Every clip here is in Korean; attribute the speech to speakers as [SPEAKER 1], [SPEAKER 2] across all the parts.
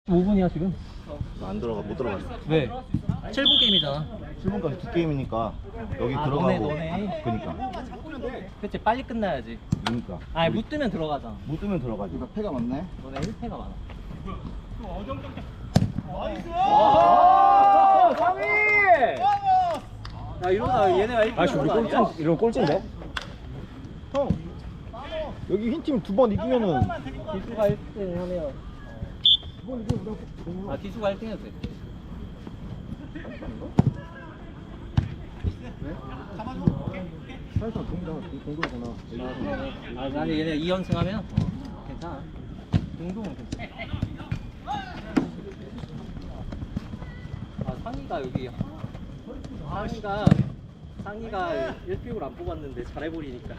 [SPEAKER 1] 5분이야 지금?
[SPEAKER 2] 안 들어가, 못 들어갔어.
[SPEAKER 1] 왜? 7분 게임이잖아.
[SPEAKER 2] 7분까지 두 게임이니까 여기
[SPEAKER 1] 아,
[SPEAKER 2] 들어가고.
[SPEAKER 1] 너네.
[SPEAKER 2] 그니까.
[SPEAKER 1] 그치, 빨리 끝나야지.
[SPEAKER 2] 그니까.
[SPEAKER 1] 아니, 못 뜨면 들어가잖아.
[SPEAKER 2] 못 뜨면 들어가지.
[SPEAKER 3] 패가 많네.
[SPEAKER 1] 너네 1패가 많아.
[SPEAKER 3] 오!
[SPEAKER 1] 상위! 야, 이러다 얘네가 1패
[SPEAKER 3] 아씨 우리 꼴찌 이런 꼴찌인데? 형 여기 흰 팀 두 번 이기면은
[SPEAKER 1] 기수가 1등 하면. 아, 기수가 1등 해도 돼.
[SPEAKER 3] 사실상 동동이잖아.
[SPEAKER 1] 아, 아니, 얘네 2연승 하면 괜찮아. 동동은 괜찮아. 아, 상희가 여기. 상희가 1픽을 안 뽑았는데 잘해버리니까.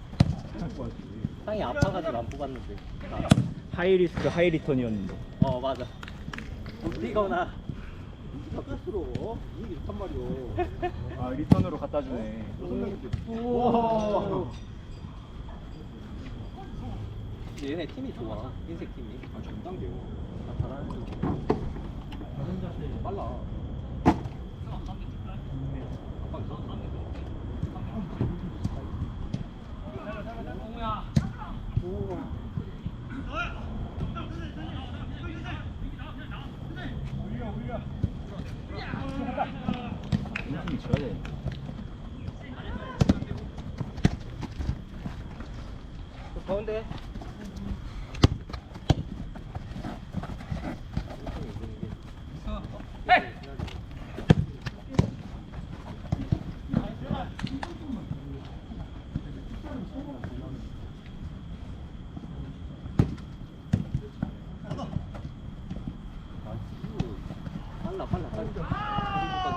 [SPEAKER 1] 상희 아파가지고 안 뽑았는데. 아,
[SPEAKER 3] 하이리스크 하이리턴이었는데.
[SPEAKER 1] 맞아. 뛰거나.
[SPEAKER 3] 바깥으로 이게 좋단 말이오. 아 리턴으로 갖다 주네.
[SPEAKER 1] 우와. 얘네 팀이 좋아. 흰색 팀이.
[SPEAKER 3] 아 전단계요.
[SPEAKER 1] 잘하는 중.
[SPEAKER 3] 빨라. 팀이 져야 돼.
[SPEAKER 1] 가운데. 빨라.